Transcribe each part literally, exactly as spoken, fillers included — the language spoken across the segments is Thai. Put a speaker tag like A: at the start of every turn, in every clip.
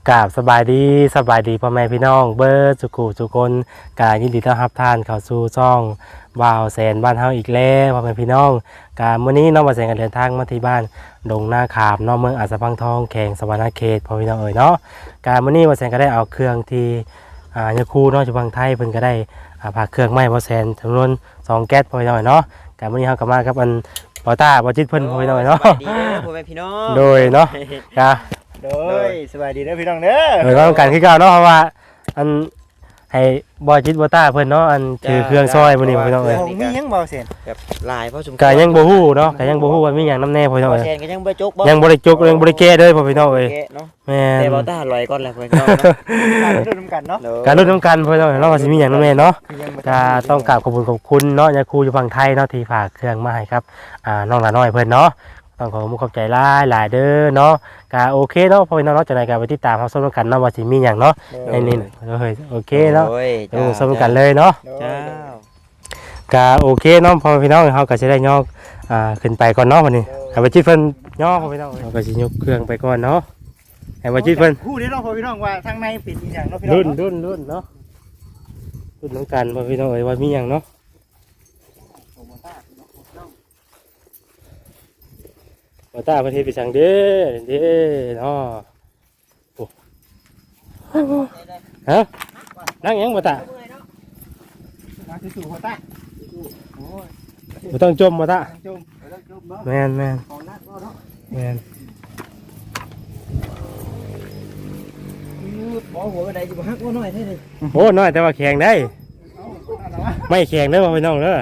A: กราบสบายดีสบายดีพ่อแม่พี่น้องเบิร์ดสุขุสุคนกายินดีต้อนรับท่านเข้าสู่ช่องบ่าวแสนบ้านเฮาอีกแล้วพ่อแม่พี่น้องกามื้อนี้น้องบ่าวแสนกันเดินทางมาที่บ้านดงนาขามน้องเมืองอัสสัมพังทองแขวงสวรรณเขตพ่อพี่น้องเอ๋ยเนาะกามื้อนี้บ่าวแสนก็ได้เอาเครื่องที่อ่ายาคูเนาะอยู่ฝั่งไทยเพิ่นก็ได้อ่าพาเครื่องไม้บ่าวแสนจำนวนสองแก๊สพ่อพี่น้องเอ๋ยเนาะกามื้อนี้เฮาก็มากับอันบ่าวตาบ่าวจิตเพิ่นพ่อพี่น้องเอ๋ยเนาะ
B: สวัสดีเด้อพ่อแม่พี่น้อง
A: โดยเนาะกา
C: โดยสบายดีเด้อพี่น้องเด้อ
A: เหมือนว่าต้องการคือเก่าเนาะเพราะว่าอันให้บอยจิตบอต้าเพิ่นเนาะอันถือเครื่องซอยมื้อนี้พี่น้องเอ้ย
C: ผมมียังเบาเสียน
B: แบบลายเพราะสม
A: ก็ยังบ่ฮู้เนาะก็ยังบ่ฮู้ว่ามีหยังนำแน่พี่น้อง
B: บ่
A: เอ้ย
B: แซนก็ยังบ่จกบ่
A: ยังบ่ได้จกยังบ่ได้แก้เด้อพ่อพี่น้องเอ้ย
B: แกะเนาะ
A: แม่
B: แต่
A: น
B: บ่ตาลอยก่อนแหละพ่อพี่น้องเนาะ
C: การดูน้ำกันเนาะ
A: การลุ้นนํกันพี่น้องเอ้ยเนาะว่าสิมีหยังนำแน่เนาะ
C: ยังบ่
A: ก็ต้องกราบขอบคุณขอบคุณเนาะยาคูอยู่ฝั่งไทยเนาะที่ฝากเครื่องมาให้ครับอ่าน้องหลาน้อยเพิ่นเนาะต้องขอขอบคุณขอบใจหลายหลายเด้อเนาะก็โอเคเนาะพ่อพี่น้องเนาะจังได๋ก็ไปติดตามเฮาส้มกันเนาะว่าสิมีหยังเนาะในนี้เฮ้ยโอเคเนาะ
B: โอ้ย
A: เดี๋ยวส้มกันเลยเนาะ
C: โดย
B: เจ้า
A: ก็โอเคเนาะพอพี่น้องเขาก็จะได้ย่ออ่าขึ้นไปก่อนเนาะวันนี้ให้บัจิตเพิ่นย่อพอพี่น้องเขาก็สิยกเครื่องไปก่อนเนาะให้บัจิตเพิ่น
C: ผู้ที่น้องพ่อพี่น้องว่าทางในเป็นอีหยังเนาะพี่น้อง
A: รุ่นรุ่นรุ่นเนาะรุ่นน้องกันพอพี่น้องเอ้ยว่ามีหยังเนาะบ่ตาประเทศไปสั่งเด้อเด้อเนาะโอ้ฮะนั่งหยังบ่ตา
C: มาสู่หัวตาโอ้ย
A: บ่ต้องจมบ่ตา
C: จุ่มแล้วจุ่มเนาะ
A: แม่นแม่น
C: ของนักเนาะ
A: แม่น
B: บ่หัวกระไดอยู่บ่ฮักบ่น้อยแท้นี่
A: โอ้น้อยแต่ว่าแข็งได้
C: เอาเอาละวะ
A: ไม่แข็งเด้อพ่อพี่น้องเด้อ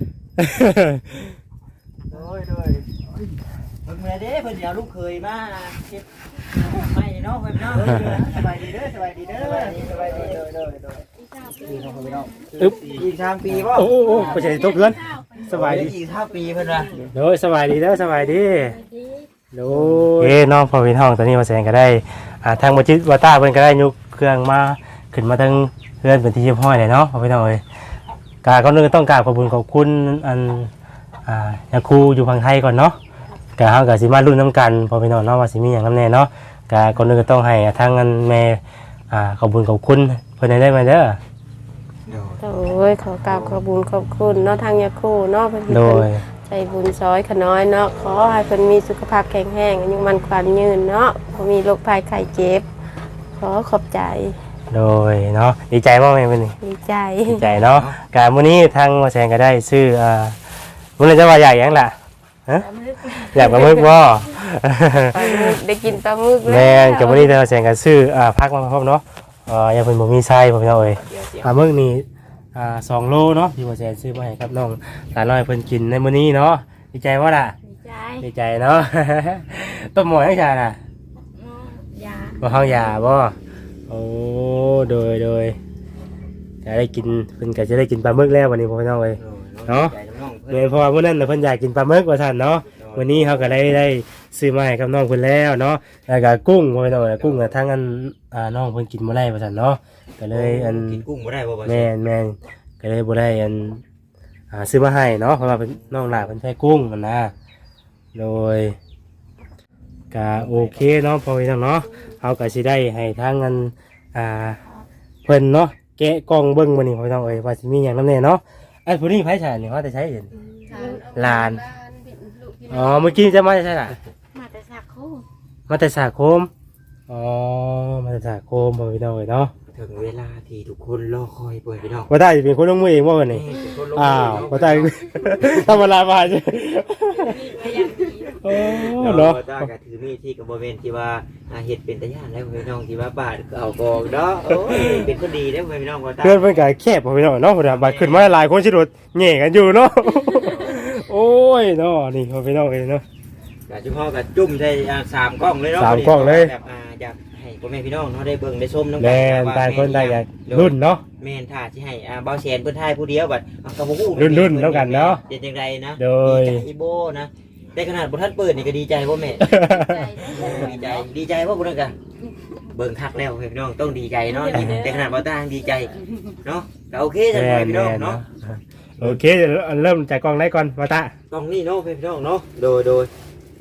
C: โดยโดย
B: เพิ่นมาเด้เพิ่นสิเอาลูกเคยมาเก็บไม่เนาะพ่อพี่น้อง
C: สบายดีเด้อสบายดีเด้อสบายดีสบายดีโดยโดยโดยพี่น้องพ่อพี่น้อง
A: อึ๊บ
B: อีกสามปีบ่
A: โอ้โอ้โอ้ไปใส่ตกเพื่อนสบายดี
B: อีกห้าปีเพิ่นว่า
A: โดยสบายดีเด้อสบายดีโดยเอ้น้องพอพี่น้องตอนนี้มาแสดงก็ได้อ่าทางบัจิตวาต้าเพิ่นก็ได้ยกเครื่องมาขึ้นมาทั้งเพื่อนเป็นที่เรียบร้อยเลยเนาะพอพี่น้องเอ้ยกาก่อนอื่นต้องกราบขอบคุณขอบคุณอันอ่ายาคูอยู่ฝั่งไทยก่อนเนาะกาเฮาก็สิมาลุ้นน้ำกันพอพี่น้องเนาะว่าสิมีหยังนำแน่เนาะกาก่อนอื่นก็ต้องให้ทางอันแม่อ่าขอบคุณขอบคุณเพิ่นได้ไหมเด้อ
D: โอ้ยขอกราบขอบคุญขอบคุณเนาะทางยาคูเนาะเพิ่น
A: โดย
D: ใจบุญซอยขน้อยเนาะขอให้เพิ่นมีสุขภาพแข็งแรงอายุมันขวัญยืนเนาะบ่มีโรคภัยไข้เจ็บขอขอบใจ
A: โดยเนาะดีใจมากเลยวันนี้
D: ดีใจ
A: ดีใจเนาะการมื้อนี้ทางมาแสงก็ได้ซื้ออ่ามื้อนี้จะว่าใหญ่ยังล่ะฮะอยากปลาหมึกบ่
D: ปลาหมึกได้กินปลาหมึกแล้ว
A: แม่นกับมื้อนี้ทางมาแสงก็ซื้ออ่าพักมาพร้อมเนาะเอ่ออย่าเพิ่นบ่มีไส้พ่อพี่น้องเอ้ยปลาหมึกนี่อ่าสองโลเนาะที่มาแสงซื้อมาให้ครับน้องหลานน้อยเพิ่นกินในมื้อนี้เนาะดีใจบ่ล่ะ
D: ดีใจ
A: ดีใจเนาะ ต้มหมอยให้ชาน่ะ
D: อืมยา
A: บ่เฮายาบ่โอ้โดยโดยจะได้กินเพิ่นก็จะได้กินปลาหมึกแล้ววันนี้พ่อพี่น้องเอ้ย เนาะ
B: ใจน้อง
A: โดยเพราะว่าเมื่อนั้นน่ะเพิ่นอยากกินปลาหมึกว่าซั่นเนาะวันนี้เขาก็ได้ได้ซื้อมาให้กับน้องเพิ่นแล้วเนาะแล้วก็กุ้งพ่อพี่น้องเอ้ยกุ้งน่ะทั้งอันอ่าน้องเพิ่นกินบ่ได้ว่าซั่นเนาะก็เลยอัน
B: กินกุ้งบ่ได้บ่บ่
A: แม่นแม่นก็เลยบ่ได้อันอ่าซื้อมาให้เนาะเพราะว่าเป็นน้องหลานเพิ่นใช้กุ้งนั่นนะโดยก็โอเคเนาะพ่อพี่น้องเนาะเฮาก็สิได้ให้ทางอันอ่าเพิ่นเนาะแกะกล่องเบิ่งมื้อนี้พ่อพี่น้องเอ้ยว่าสิมีหยังนำแน่เนาะไอ้ผู้นี้ไผใช้นี่ว่าแต่ใช้เห็นหลานอ๋อเมื่อกี้จะมาใช่ล่ะ
D: มาแต่สักคู่
A: มาแต่สาคมอ๋อมาแต่สาคมพ่อพี่น้องเอ้ยเนาะ
B: ถึงเวลาที่ทุกคนรอคอยเปิดพี่น้อง
A: ว่าได้เป็นคนลงมือเองว่าวันนี้
B: เป็นคนลง
A: อ้าวว่าได้ ธรรมดามาใช่โอ้
B: เนาะ
A: เนาะ
B: ตาก็ถือมีดที่กับบริเวณที่ว่าอาเฮ็ดเป็นตะย่านแล้วพี่น้องที่ว่าบาดเอากองเนาะโอ้ยเป็นคนดีแล้วพี่น้องว่าตา
A: เพื่อนเพื่อนก็แคบพ่อพี่น้องเนาะพอดีบัดขึ้นมาหลายคนชิดดแง่กันอยู่เนาะ โอ้ยเนาะนี่พ่อพี่น้องเองเนาะ
B: ก็เฉพาะกับจุ่มใส่อ่าสามกล้องเลยเนาะ
A: สามกล้องเลย
B: แบบอ่าอยากให้พ่อแม่พี่น้องเนาะได้เบิ่งได้ชมน้ำ
A: แม่นตายคนตายอยากรุ่นเนาะ
B: แม่นถ้าสิให้อ่าเบาแสนเพิ่นทายผู้เดียวบัดเอาก็บ่ฮู้
A: รุ่นๆแล้วกันเนาะ
B: เป็นจังไดนะ
A: โดย
B: ดีใจอีโบนะแต่ขนาดบ่ทันเปิดนี่ก็ดีใจบ่แม่ ดีใจดีใจบ่บ่นั่นก็เบิ่งคักแล้วพี่น้องต้องดีใจเนาะแต่ขนาดบ่ต่างดีใจเนาะก็โอเคจัง
A: แม่
B: ได
A: น
B: พี่น้อง
A: แม่น
B: เนาะ
A: เนาะโอเคเดี๋ยวเริ่มจากกล้องไหนก่อนมาตะ
B: ต้องนี่เนาะพี่น้องเนาะโดยโดย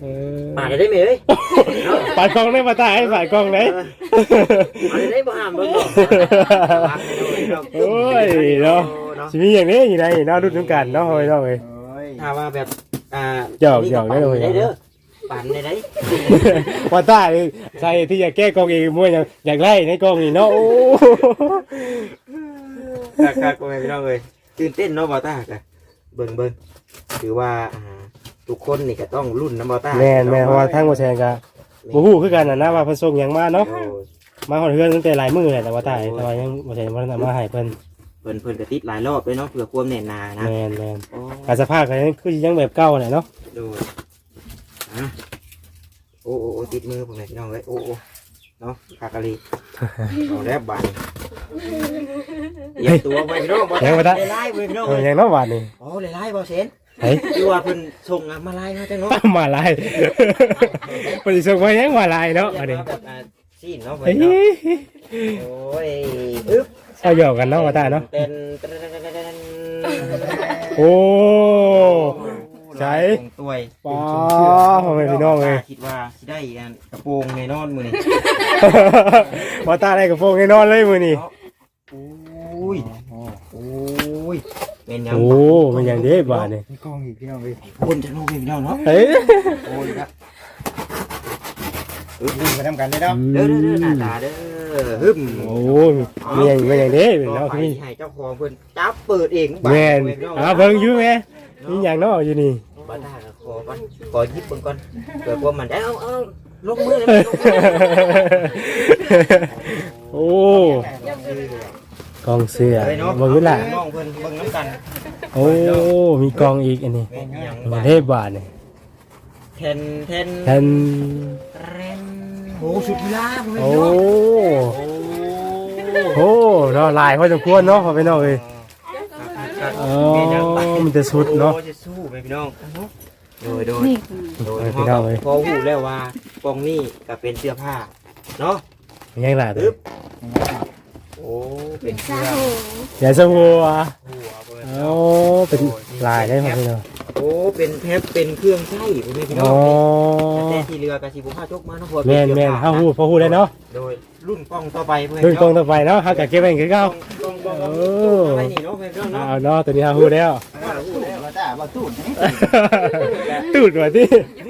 A: เออ
B: ปาดได้ไหมเอ้ย
A: ปาดกล้องได้มาตายปาดกล้องได้
B: ปาดได้บ่ห้ามเบิ่งดอก
A: โอ้ยเนาะชีวิตอย่างนี้อยู่ในเนาะรุ่นน้ำกันเนาะเฮ้ยเนาะเฮ้ย
B: ถ้าว่าแบบอ่า
A: หยอกหยอกได้เลย
B: ได้เด้อปั่นได้ได้
A: ว่าตายใช่ที่อยากแก้กล้องเองมั่วอยากอยากไล่ในกล้องนี่เนาะโอ้
B: ครับๆก็ไม่พี่น้องเอ้ยตื่นเต้นเนาะบ่ตาก็เบิ่งเบิ่งถือว่าอ่าทุกคนนี่ก็ต้องรุ่นน้ำบ่ตา
A: แม่นแม่เพราะว่าทั้งหมดแชร์กันบ่ฮู้คือกันน่ะนะว่าเพิ่นส่งหยังมาเนาะ
B: โอ้ย
A: มาฮอดเฮือนตั้งแต่หลายมื้อแหละแต่ว่าตายแต่ว่ายังบ่ใช่ว่ามาให้เพิ่น
B: เพิ่นเพิ่นก็ติดหลายรอบด้วยเนาะเพื่อความแน่นหนานะ
A: แม่นแม่น
B: โอ้
A: การสภาพก็ยังคือยังแบบเก่าแหละเนาะ
B: ดูอ่ะโอ้โอ้โอ้ติดมือผมเลยพี่น้องเอ้ยโอ้โอ้เนาะคากะลีเอาแล้วบานเหยียบตัวไปพี่น้องบ่ได้ไล่ไปพี่น้อง
A: เออ
B: เอ้ย
A: ยังเนาะบาดนี่
B: โอ้ไล่ไล่บ่เซน
A: เฮ้ย
B: คือว่าเพิ่นส่งอะมาไล่เนาะจังเนาะ
A: มาลายเพิ่นสิส่งมายังมาลายเนาะอันนี้
B: แบบอ่าซีนเนาะเพิ่
A: เฮ้
B: นเนาะ
A: ย
B: โอ้ยอึ๊บ
A: เอาหยอกกันเนาะว่าตาเนาะ
B: เป็น
A: โอ้ใช่
B: ตัว
A: ป้าพ่อแม่พี่น้องเลย
B: คิดว่าสิได้อันกระโปรงในนอนมื้อนี้
A: ว่าตาได้กับโฟงให้นอนเลยมื้อนี้
B: โอ้ยโอ้ยเป็นยัง
A: โอ้มันอย่างเด้บาดนี่
C: มีกล้องอีกพี่น้องเลย
B: คนจะรู้พี่น้องเนาะ
A: เฮ้ย
B: โอ้ยครับ
C: วิ่งไปทำกันได้เนาะ
B: เด้อเด้อเด้อหน้าตาเด้อฮึม
A: โอ้มันอย่างมันอย่างเด้
B: ต่อ
A: เนาะ
B: ไป
A: พี่
B: ให้เจ้าของเพิ่นจับเปิดเอง
A: แม่นอ่าเบิ่งอยู่แม่มีหยังเนาะอยู่นี่
B: บ้านหน้าก็ขอก่อนขอหยิบเบิ่งก่อนเกิดว่ามันได้เอาเอาลงมือเลยลงมือ
A: โอ้กองเสื้อ
B: เลยเนาะ
A: เบิ่งอยู่ล่ะ
B: น้องเพิ่นเบิ่งน้ำกัน
A: โอ้มีกองอีกอันนี้
B: แม่นอีหยัง
A: มา
B: บาด
A: เทพบาทนี่
B: เทนเทน
A: แทน
B: เรนโอ้สุดที่ลาผม
A: โอ้
B: เนาะ
A: โอ้เนาะลายพอสมควรเนาะพอไปเนาะเอ้ย อ๋อมันจะสุดเนาะ
B: โอ้จะสู้ไปพี่น้องโดยโดยโดย
A: พี่น้องเอ้ย
B: พอหูแล้วว่ากองนี่ก็เป็นเสื้อผ้าเนาะ
A: มันยังล่ะเด้
B: ปึ๊
A: อบ
B: โอ้เป็นเสื้อ
A: อย่าสหัว
B: หัวเปิด
A: โอ้เป็นลายได้พอไปเนาะ
B: โอ้เป็นแทบเป็นเครื่องใช้ผมพี่น้
A: อ๋
B: อ
A: อง
B: แต่ที่เรือกระสีบุผ้าจกมาเนาะพอ
A: แม่นแม่นเฮาฮู้พอฮู้ได้เนาะ
B: โดยรุ่นกล้องต่อไปเพื่อน
A: รุ่นกองต่อไปเนาะเฮาก็เก็บไว้คือเก่า
B: กล้องกล้องกล้อง
A: โอ้
B: อะไรนี่เนาะเพื่อนเนาะ
A: เอาเนาะตัวนี้เฮาฮู้แล้ว
C: มาจ้าบ่ตูดนี่
A: ตูดว่าติ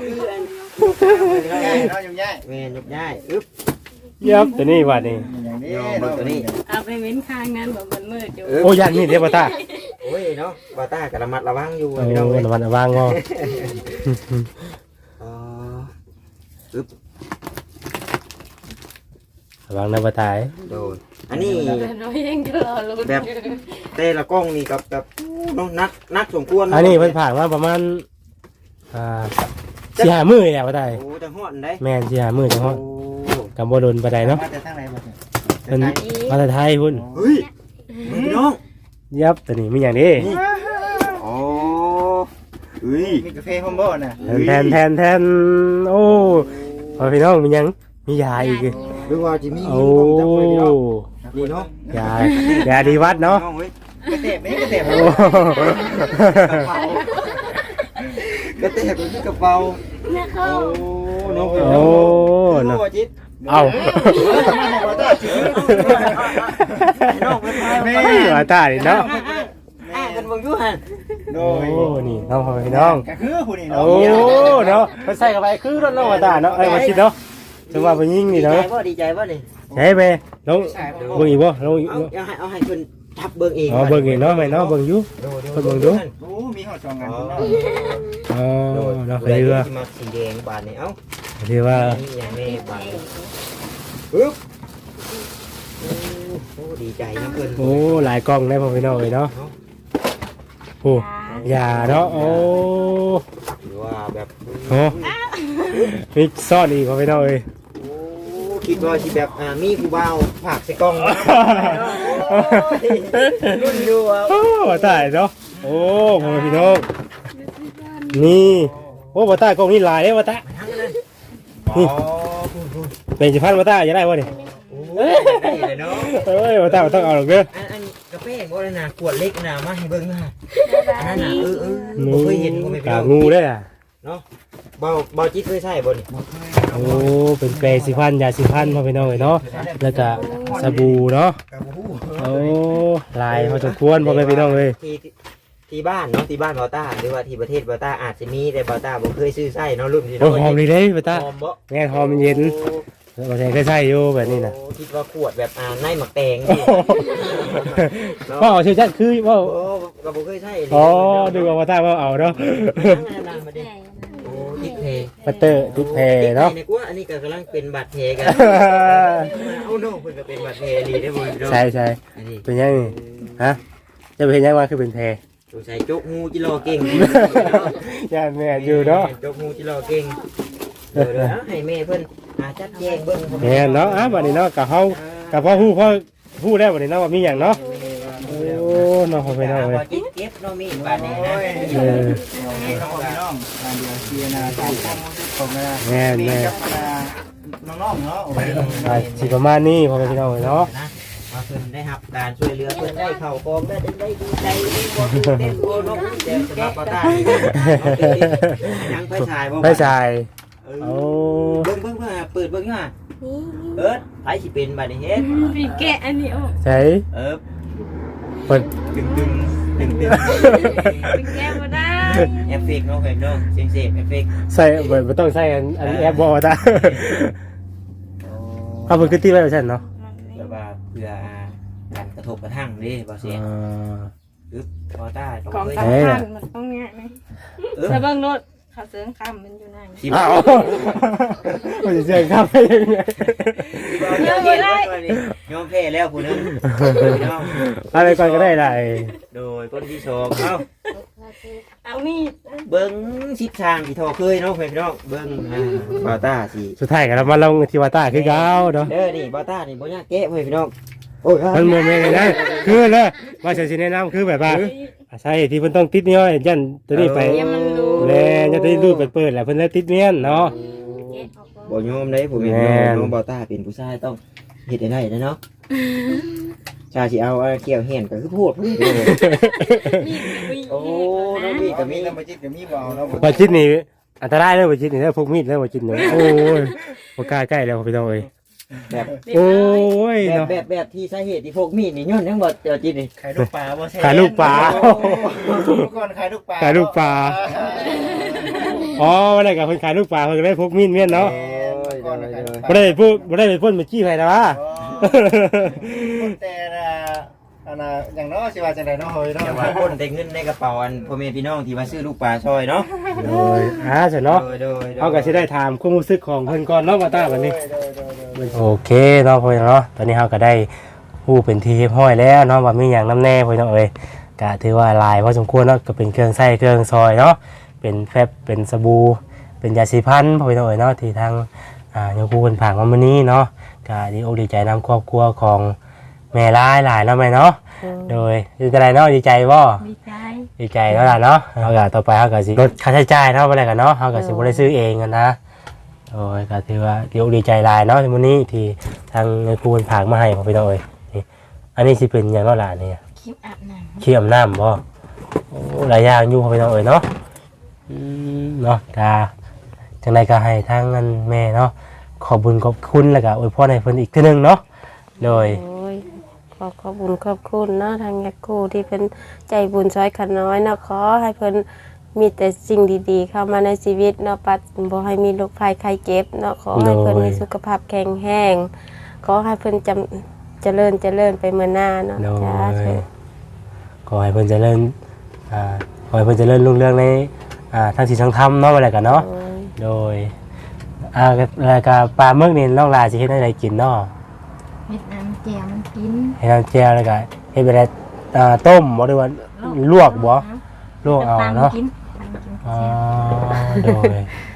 C: ง่ายเนาะยุ่งยาก
B: แม่นยกย้ายอึ๊บ
A: ยับตัวนี้ว่านี่
C: อย่างนี้
B: ยอมเบิ่งตัวนี้
E: เอาไปเว้นข้างนั้นแบบมันมืดอยู่
A: โอ้ยันนี่เด้บ่ตา
B: โอ้ยเนาะบาต้ากับระมัดระวังอยู่
A: โอ้
B: พี่น้องเอ้ย
A: ระวังระวังเนาะ
B: อ๋ออึ๊บ
A: ระวังนะบ่ตาย
B: โดนอันนี้
E: เราเองก็รอลุ้น
B: แบบแต่ละกล้องนี่กับแบบเนาะนักนักสมควร
A: อันนี้เพิ่นผ่านมาประมาณอ่าสี่ห้ามื้อแล้วบ่ตาย
B: โอ้จังฮอดได้
A: แม่นสี่ห้ามื้อจังฮอด
B: โอ้
A: กับบ่โดนปานใดเนาะ
C: มาแต่ทางไหนบ่เนี่ย
A: เพิ่นมาแต่ไทยพุ่น
B: เฮ้ยพี่น้อง
A: ยับตัวนี้มีหยังเด้
B: โอ้เฮ้ย
C: มีกาแฟพร้อมบ่น่ะ
A: แทนแทนแทนโอ้พอพี่น้องมีหยังมียาอีก
B: หรือว่าจะมี
A: โอ้
B: จับเลยพี่น้องนี่เนาะ
A: ยายาดีวัดเนาะ
B: น้องเว้ย
C: กระเตะไม่กระเตะ
A: โอ้
B: กระเป๋ากระเตะเป็นกระเป๋า
E: นะเขา
B: โอ้น้องเว้ย
A: โอ้
B: น้
A: เนาะ
B: องว่าจิต
A: เอา
B: น้องเป็นไง
A: เฮ้ยว่าตายเนาะ
B: อ่ากันเบิ่งอยู่หั่น
C: โด
A: โอ้
C: ย
A: นี่น้องพอพี่น้อง
C: ก็คือผู้นี่
A: โอ้
C: เนาะ
A: เนาะมันใส่เข้าไปคือรถน้องว่าตาเนาะไอ้มาคิดเนาะจังว่าไปยิง
B: ดี
A: นี่
B: ใจ
A: เนาะ
B: บ่ดีใจบ่นี่
A: ใช่ไหมลงเบิ่งอีกบ่ลงอีก
B: เอา
A: บ่
B: เอาให้เอาให้เพิ่นทับเบิ่งเอง
A: อ๋อเบิ่งอีกเนาะแม่เนาะเบิ่งอยู่ เพิ่นเบิ่งดู
C: โอ้มีหอดสองงาน
B: อ๋อ
C: เนาะ
A: อ๋อ
B: โดย
A: เนาะ
B: ผู้ใด
A: คือว่า
B: ที่มาสีแดงบาดนี่เอ้า
A: คือว่า
B: นี่อย่างนี้บาดนี่ปึ๊บโอ้โอ้ดีใจนะเพิ่น
A: โอ้หลายกล้องได้พอพี่น้องเลยเนาะโอ้ยาเนาะโอ้
B: หรือว่าแบบ
A: โหมีซ่อนอีกพอพี่น้องเลย
B: โอ้คิดว่าสิแบบอ่ามีผู้บ่าวผากใส่กล้องรุ่นอยู่อ่ะ
A: โอ้ตายเนาะโอ้พอพี่น้องนี่โอ้บ่ตากล้องนี่ลายเด้บ่ตา
B: อ๋อ
A: เป็นสิพันบ่ตาจะได้บ่นี่
B: โอ้ยได้เลยเนาะ
A: เอ้ยบ่ตาบ่ต้องเอาหรอกเด้อ
B: อันอันกาแฟบ่ได้น่ะขวดเล็กน่ะมาให้เบิ่งนะอันนั้นน่ะเออเออบ่เคยเห็นบ่แม่นพี่
A: กา
B: น้อง
A: งูได้อ่ะ
B: เนาะเบาเบาจิตเคยใช้บ่นี่
A: โอ้เป็นแปรงสีฟันยาสีฟันพ่อพี่น้องเอ้ยเนาะแล้วก็สบู่เนาะ
C: กับผู้
A: โอ้ลายพอสมควรพ่อแม่พี่น้องเอ้ย
B: ที่ที่บ้านเนาะที่บ้านบอต้าหรือว่าที่ประเทศบอต้าอาจจะมีแต่บอต้าบ่เคยซื้อไส้เนาะรุ่นที่
A: โอ้หอมดีเด้ป้าตา
B: หอมบ่
A: แม่นหอมมันเย็นบ่ใช่เคยใช้อยู่แบบนี้น่ะ
B: โอ้คิดว่าขวดแบบอ่าในหมักแตง
A: ว่าเอาชื่อจัดคือว่า
B: โอ้ก็บ่เคยใช้
A: อ๋อดูว่าป้าตาว่าเอาเนาะ
B: นั่งๆมาดิโอ้ติดเพ
A: ปัตเตอร์ติดแพรเนาะ
B: ติดเพเนี่ยกูว่าอันนี้ก็กำลังเป็นบาดแผลกันเอาน้องเพิ่นก็เป็นบาดแผลดีได้อบ่พี่น้อง
A: ใช่ใช่
B: อันนี้
A: เป็นยังนี่ฮะจะเป็นยังว่าคือเป็นแพร
B: สงสัยจกงูจิรอเก่ง
A: ย่านแม่อยู่เนาะ
B: จกงูจิรอเก่งเดี๋ยวเดี๋ยวให้แม่เพิ่นหาจัดแจงเบิ่ง
A: แม่นเนาะอ่ะบัดนี้เนาะกับเฮากับพ่อฮู้พ่อฮู้ได้บัดนี้เนาะว่ามีหยังเนาะโอ้เนาะพ่อพี่น้องเอ้ย
B: เก็บเก็บเนาะมีบาดนี้นะ
A: เออ
C: น้องพี่น้องงานเดียวเชียร์นะตามความรู้สึกของนะ
A: แม่นแม่
C: กับน้องๆเนาะโอ้ย
A: อ่ะสิประมาณนี้พ่อพี่น้องเอ้ยเนาะ
B: นะว่าเพิ่นได้รับการช่วยเหลือเพิ่นได้เข้ากองได้ได้ดีใจได้บ่ตื่นเต้นบ่นกแต่สำหรับป้าตายังไฟฉายบ่
A: ไม่ใช่
B: เออ
A: โอ้
B: เบิ่งเบิ่งเบิ่งเปิดเบิ่งฮะเอิ้นไผสิเป็นบัดนี้เฮ็ด
E: พี่แกะอันนี้ออก
A: ใช่
B: เออ
A: เปิด
B: ตึงตึงตึงตึง
E: พี่แกะบ่ได้
B: เอฟเฟกต์เนาะเพิ่นเนาะเสียงเสียงเอฟเฟกต์
A: ใส่เปิดบ่ต้องใส่อันอันแอปบ่ตาเอาเพิ่นคือตีไว้ว่าซั่นเนาะ
B: แบบว่าเพื่อการกระทบกระทั่งเด้บ่เสียง
A: อ่า
B: อึ๊บพอได้ต้
E: ของ
B: เคย
E: สำคัญมันต้องเงี้ยนะ
B: เออ
E: ถ้าเบิ่งรถเขาเสริงคำมันอยู่ไหน
B: สิ
A: อ้าวมันจะเสียงครับไปยังไง
B: เดี๋ยวเย็นไว้ก่อนนี่ยอมแพ้แล้วผู้นึงพี่น้อง
A: อะไรก่อนก็ได้ไร
B: โดยคนที่สองเอ้า
E: เอานี่
B: เบิ้งชิดทางที่ทอเคยเนาะเพื่อนพี่น้องเบิ้งอ่าบาต้าสิ
A: สุดท้ายก็เรามาลงที่วาต้าคือเก่าเนาะ
B: เด้อนี่บาต้านี่บ่ยากแก้เพื่อนพี่น้องโอ้ย
A: มันโมเมนต์เลยนะคือเลยว่าฉันสิแนะนำคือแบบว่าใช่ที่เพิ่นต้องติดเนี่ยยันตัวนี้ไป
E: เดี๋ยวมันรู้
A: แล้ยันตัวนี้รูดไปเปิดแหละเพิ่นเลยติดเนียนเนาะ
E: แกะออกก่อน
B: บ่ยอมได้ผมเห็น
A: แม่น
B: น้องบาต้าเป็นผู้ชายต้องเฮ็ดได้ได้เนาะชาสิเอาเอาเกี่ยวเห็นก็คือพูดพูดเลย
E: มีมี
B: โอ้น้องมี
C: กั
B: ก็
C: บมี
B: มี
C: น้ำมันจิตกับมีบ่าวเนาะ
A: ว่าจิตนี่อันตรายเลยว่าจิตนี่แล้วพกมีดแล้วว่าจิตนี่โอ้ยบ่กล้าใกล้แล้วพี่น้องเอ้ย
B: แบบ
A: โอ้ย
B: แบบ
A: เนาะ
B: แบบแบบที่สาเหตุที่พวกมีดนี่ย้อนทั้งหมดเจ้าจิตนี่
C: ขายลูกปลาบ่แซ่
A: ขายลูกปลา
C: ก่อนขายลูกปลา
A: ขายลูกปลา อ๋อวันนั้นก็เพิ่นขายลูกปลาเพิ่นก็ได้พกมีดเมียนเนาะ
C: ก่อนขายลูกป
A: บ่
C: ลา
A: ได้ไปพูดบ่ได้ไปพ่นไปจี้ไผนะวะ
C: คนแต่ละอันน่ะอย่างน้อยสิว่าจังได๋เนาะเฮ้ยเนาะ
B: แต่ว่าคนแต่เงินในกระเป๋าอันพ่อแม่พี่น้องที่มาซื้อลูกปลาซอยเนาะ
A: โดยอ่าใช่เนาะ
B: โดยโดยโดย
A: เขาก็สิได้ถามความรู้สึกของเพิ่นก่อนเนาะมาตาบัดนี้
C: โดยโดยโดย
A: โอเคเนาะพ่อพี่น้องเนาะตอนนี้เฮาก็ได้ฮู้เป็นที่เรียบร้อยแล้วเนาะว่ามีหยังนำแน่พ่อพี่น้องเอ้ยก็ถือว่าหลายพอสมควรเนาะก็เป็นเครื่องใช้เครื่องซอยเนาะเป็นแฟบเป็นสบู่เป็นยาสีฟันพ่อพี่น้องเอ้ยเนาะที่ทางอ่าโยมครูเพิ่นฝากมามื้อนี้เนาะก็ดีอกดีใจนำครอบครัวของแม่หลายหลายเนาะแม่เนาะโดยดีใจเนาะดีใจบ่
E: ดีใจ
A: ดีใจแล้วล่ะเนาะเอาก็ต่อไปเขาก็สิลดค่าใช้จ่ายเนาะไปเลยกันเนาะเขาก็สิบ่ได้ซื้อเองกันนะโอ้ยก็ถือว่าดีอกดีใจหลายเนาะในมื้อนี้ที่ทางเงินครูเพิ่นฝากมาให้พ่อพี่น้องเอ้ยนี่อันนี้สิเป็นหยังเนาะล่ะนี่
E: คลิปอาบน้
A: เขี้ยมน้ำบ่โอ้หลายอย่างอยู่พ่อพี่น้องเอ้ยเนาะอืมเนาะก็จังไดก็ให้ทางเงินแม่เนาะขอบคุญขอบคุณแล้วก็อวยพรให้เพิ่นอีกเทื่อนึงเนาะโดย
D: โอ้ยขอขอบคุญขอบคุณเนาะทางยักษ์กูที่เป็นใจบุญช่วยขันน้อยเนาะขอให้เพิ่นมีแต่สิ่งดีๆ เข้ามาในชีวิตเนาะปัดบ่ให้มีโรคภัยไข้เจ็บเนาะขอให้เพิ่นมีสุขภาพแข็งแรงขอให้เพิ่นจำเจริญเจริญไปเมื่อหน้าเนาะ
A: โด
D: จ้าย เถิด
A: ขอให้เพิ่นเจริญอ่าขอให้เพิ่นเจริญรุ่งเรืองในอ่าทางศีลทางธรรมเนาะอะไรกันเนาะ
D: โอ้ย
A: โดยอ่าแล้วก็ปลาหมึกนี่น้องลาสิเฮ็ดให้ได้กินเนาะ
E: ำเม็ดน้ำแจ่วมันกิน
A: ให้น้ำแจ่วแล้วก็เฮ็ดไปได้อ่าต้มบ่หรือว่าลวกบ่ลวกเอาเนาะ
E: กินตำกิน
A: อ๋อโดย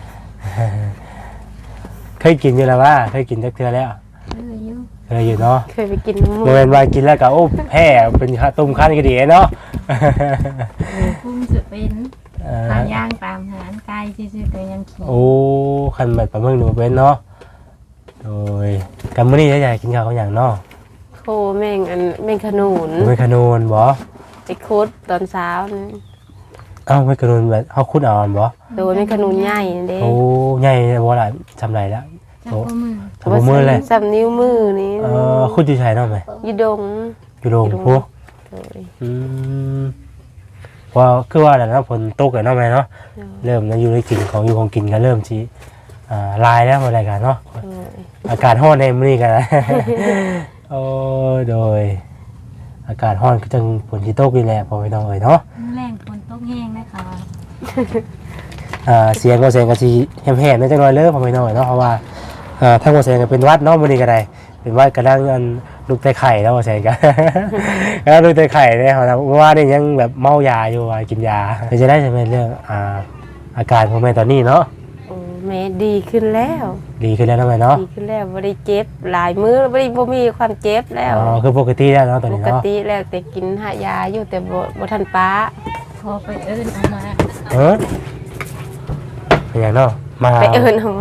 A: เคยกินอยู่แล้วว่าเคยกินจักเทื่อแล้ว
E: เอออยู่
A: เคยอยู่เนาะ
D: เคยไปกินน้ำมู
A: บ่แม่นว่ากินแล้วก็โอ้แพ้เป็นข้าวต้มคั้นก็ดีเนาะ
E: พุ่มสุดเป็น
A: เอ่อ
E: ทางย่างตามหารไก่ซื่อๆก็ยังขี่
A: โอ้คันแบบปลาหมึกหนูเป็นเนาะโดยกันมื้อนี้จะอยากกินข้าวกับหยังเนาะ
D: โคแม่งอันแม่งขนุน
A: เป็นขนูนบ่
D: ไปคุดตอนเช้านี่
A: เอ้าไม่กระนุนแบบเฮาขุดเอาอันบ่
D: โดยมันขนุนใหญ่เด้
A: โอ้ใหญ่บ่ล่ะจำได้แล้ว
E: จับข้อมือ
A: ทำบ่มือเลย
D: สำนิ้วมือนี่
A: เออขุดอยู่ไสเนาะแม่
D: อยู่ดง
A: อยู่โรงพุ
D: โดย
A: อืมว่าคือว่าแล้วเนาะฝนตกแล้วเนาะแม่เนาะเริ่มนะอยู่ในกินของอยู่ของกินก็เริ่มสิอ่าลายแล้วบ่ได้กันเนาะ
D: โดย
A: อากาศร้อนในมื้อนี้กัน โอ้โดย อากาศร้อนก็จังฝนสิตกนี่แหละพ่อพี่น้องเอ้ยเนาะ
E: แรงฝนตกแห้งนะคะ
A: อ่าเสียงก็เสียงก็สิแหบๆนิดจังหน่อยเด้อพ่อพี่น้องเอ้ยเนาะเพราะว่าอ่าทางบ่เสียงก็เป็นหวัดเนาะมื้อนี้ก็ได้เป็นหวัดกำลังอันลูกไตไข่แล้วบ่เสียงก็ แล้วลูกไตไข่เนี่ยเฮานะเพราะว่านี่ยังแบบเมายาอยู่ว่ากินยาเพื่อจะได้ใช่ไหมเรื่องอ่าอาการของแม่ตอนนี้เนาะ
D: โอ้แม่ดีขึ้นแล้ว
A: ดีขึ้นแล้วนะแม่เนาะ
D: ดีขึ้นแล้วบ่ได้เจ็บหลายมื้อบ่ได้บ่มีความเจ็บแล้ว
A: อ๋อคือปกติแล้วเนาะตอน
D: ป
A: นี้
D: ก
A: เนาะ
D: ติแล้วแต่กินหายาอยู่แต่บ่บ่ทันป้า
E: พอไปเอิ้นเอามา
A: เออเป็นอย่างเนาะมา
D: ไปเอิ้นเอามา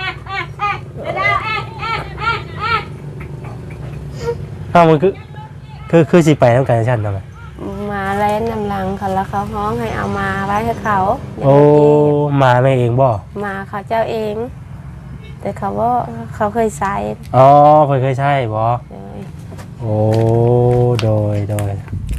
A: อ้าวมันคือคือคือสิไปนำกันซั่นเนาะแม่
D: มาแล่นนำหลังเขาแล้วเขาฮ้องให้เอามาไว้ให้เขา
A: โอ้มาแม่เองบ่
D: มาเขาเจ้าเอง แต่เขาว่าเขาเคยใส่
A: อ๋อเพิ่นเคยใช่บ่
D: เลย
A: โอ้โดยโดย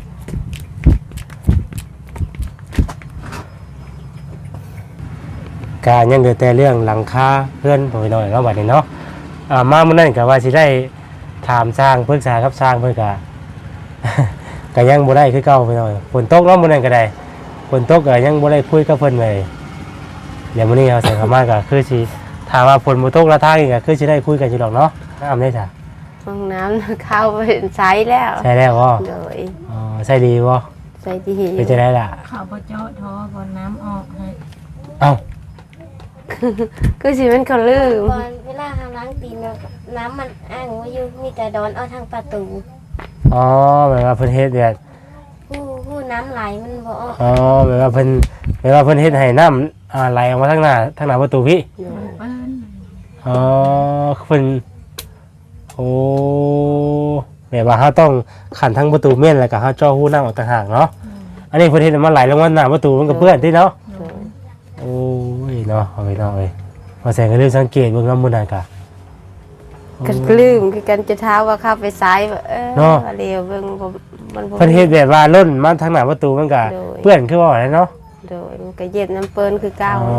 A: การยังเหลือแต่เรื่องหลังคาเพื่อนพ่อพี่น้องเนาะบัดนี้เนาะอ่ามามื้อนั้นก็ว่าสิได้ถามสร้างปรึกษากับสร้างเพิ่นก็ ก็ยังบ่ได้คือเก่าพี่น้องฝนตกเนาะมื้อนั้นก็ได้ฝนตกก็ยังบ่ได้คุยกับเพิ่นเลยเดี๋ยวมื้อนี้เฮาใส่เข้ามาก็คือสิถามว่าฝนบ่ตกละทางอีกก็คือสิได้คุยกันอยู่ดอกเนาะน้ำได้จ้ะ
D: ห้องน้ำเข้าไปใช้แล้ว
A: ใช่แล้วบ่
D: เลย
A: อ๋อใช่ดีบ่
D: ใส่ดี
A: เป็นจะได้ล่ะ
E: เขาบ่เจาะท่อบนน้ำออกให้
A: เอ้า
D: คือสิมันเขาลืม
F: ก่อนเวลาเราล้างตีนน่ะน้ำมันอ้างไว้อยู่มีแต่ดอนเอาทางประตู
A: อ๋อแบบว่าเพิ่นเฮ็ดแบบ
F: ผู้ผู้น้ำไหลมันบ่ออก
A: อ๋อแบบว่าเพิ่นแบบว่าเพิ่นเฮ็ดให้น้ำอ่าไหลออกมาทางหน้าทางหน้าประตูพี่
E: มันเปิ้น
A: อ๋อเพิ่นโอ้แบบว่าเฮาต้องขันทั้งประตูเม่นแล้วก็เฮาจ่อหูน้ำออกต่างหากเนาะอันนี้เพิ่นเฮ็ดให้มันไหลลงมาหน้าประตูมันก็เปื้อนติเนาะโอ้ยเนาะเอาไปเนาะเอ้ยมาแสงก็ลืมสังเกตเบิ่งนำมื้อนั้นก็
D: ก็ลืมคือกันจะเท้าว่าเข้าไปใช้ว่าเออ
A: เนาะ
D: เร็วเบิ่งบ่มันบ่
A: เพิ่นเฮ็ดแบบว่าล้นมาทางหน้าประตูมันก็
D: โดย
A: เปื้อนคือว่าอะไรเนาะ
D: โดยมันก็เย็บน้ำเปิ้นคือเก่า
A: อ๋อ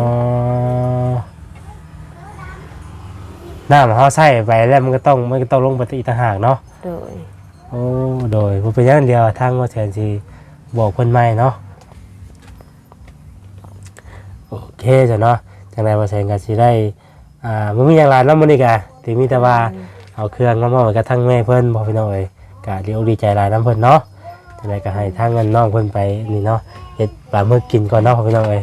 A: น้ำเขาใส่ไปแล้วมันก็ต้องมันก็ต้องลงไปอีกต่างหากเนาะ
D: โดย
A: โอ้โดยบ่เป็นอย่างเดียวทางว่าแทนสิบอกเพิ่นใหม่เนาะโอเคจ้ะเนาะจังได๋ว่าแทนก็สิได้อ่าบ่มีหยังหลายเนาะมื้อนี้ก็สิมีแต่ว่าเอาเครื่องมามอบให้กับทางแม่เพิ่นบ่พี่น้องเอ้ยก็ดีอกดีใจหลายนํเพิ่นเนาะจังได๋ก็ให้ทางเงินน้องเพิ่นไปนี่เนาะเฮ็ดปลาหมึกกินก่อนเนาะพี่น้องเอ้ย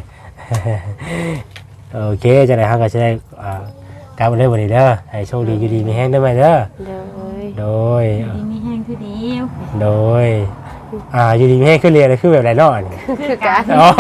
A: โอเคจังได๋เฮาก็สิได้อ่ากลับมาเลยวันนี้เด้อให้โชคดีอยู่ดีมีแฮงเด้อแม่เด้อ
D: โดย
A: โดย
E: ดีมีแห้งคือเดียว
A: โดย อ่าอยู่ดีไม่ให้ขึ้นเรียนเลยคือแบบไรเนาะนี่
D: คือกัน
A: อ๋อ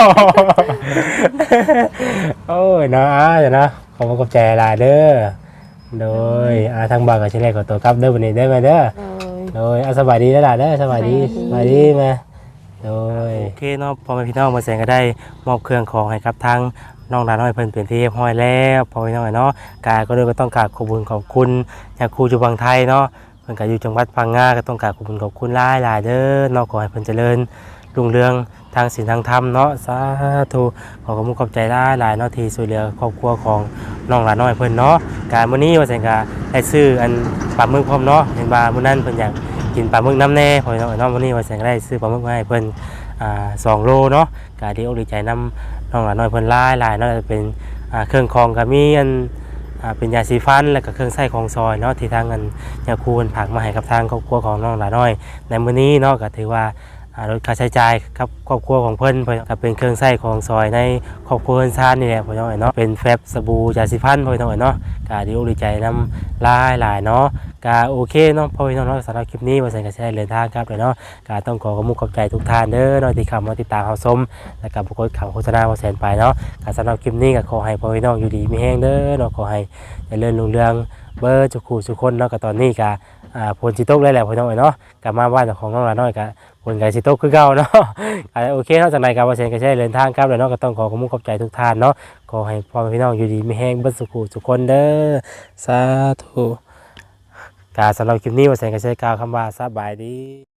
A: โอ้ยเนาะอ่าเดี๋ยวนะขอบคุณขอบใจหลายเด้อ โดยอ่าทางบ้านก็สิได้ขอตัวกลับเด้อวันนี้ได้ไหมเด้อ
D: โดย
A: โดยอ่ะสบายดีแล้วล่ะเด้อสบายดีสบายดีมาโดยโอเคเนาะพอแม่พี่น้องมาแสงก็ได้มอบเครื่องของให้กับทางน้องหลานน้อยเพิ่นเป็นที่เรียบร้อยแล้วพอพี่น้องเนาะกายก็เลยก็ต้องกราบขอบคุณขอบคุณจากครูจุบังไทยเนาะเพิ่นก็อยู่จังหวัดพังงาก็ต้องกราบขอบคุณขอบคุณหลายหลายๆเด้อเนาะขอให้เพิ่นเจริญรุ่งเรืองทางศีลทางธรรมเนาะสาธุขอขอบคุณขอบใจหลายหลายๆเนาะที่ช่วยเหลือครอบครัวของน้องหลานน้อยเพิ่นเนาะการมื้อนี้ว่าแสงก็ได้ซื้ออันปลาหมึกพร้อมเนาะเห็นว่ามื้อนั้นเพิ่นอยากกินปลาหมึกน้ำแน่พอพี่น้องเนาะมื้อนี้ว่าแสงก็ได้ซื้อปลาหมึกมาให้เพิ่นอ่าสองโลเนาะก็ดีอกดีใจนำน้องหลานน้อยเพิ่นหลายหลายๆเนาะจะเป็นอ่าเครื่องคองก็มีอันอ่าเป็นยาสีฟันแล้วก็เครื่องใช้ของซอยเนาะที่ทางเงินยาคูนผักมาให้กับทางครอบครัวของน้องหลานน้อยในมื้อนี้เนาะก็ถือว่าอ่าลดค่าใช้จ่ายกับครอบครัวของเพิ่นเพิ่นก็เป็นเครื่องใช้ของซอยในครอบครัวเพิ่นซ่านนี่แหละพ่อน้องเนาะเป็นแฟบสบู่ยาสีฟันพ่อน้องเนาะก็ดีอกดีใจนำหลายหลายๆเนาะก็โอเคเนาะพ่อน้องเนาะสำหรับคลิปนี้ว่าใส่ก็สิได้เดินทางครับเลยเนาะก็ต้องขอขอบคุณขอบใจทุกท่านเด้อเนาะที่เข้ามาติดตามเฮาชมและก็บ่กดข่าวโฆษณาว่าแสนไปเนาะก็สำหรับคลิปนี้ก็ขอให้พ่อน้องอยู่ดีมีแรงเด้อเนาะขอให้เจริญรุ่งเรืองเบิดทุกคู่ทุกคนเนาะก็ตอนนี้ก็อ่าฝนสิตกแล้วแหละพ่อน้องเนาะกลับมาบ้านของน้องหลานน้อยก็ผลการสิตกคือเก่าเนาะ อ่าโอเคเนาะจากไหนกับว่าเซนก็ใช้เดินทางครับแล้วเนาะก็ต้องขอขอบคุณขอบใจทุกท่านเนาะขอให้พ่อแม่พี่น้องอยู่ดีมีแห้งเบิดสุขทุกคนเด้อสาธุกาสำหรับคลิปนี้ว่าเซนก็ใช้กล่าวคำว่าสบายดี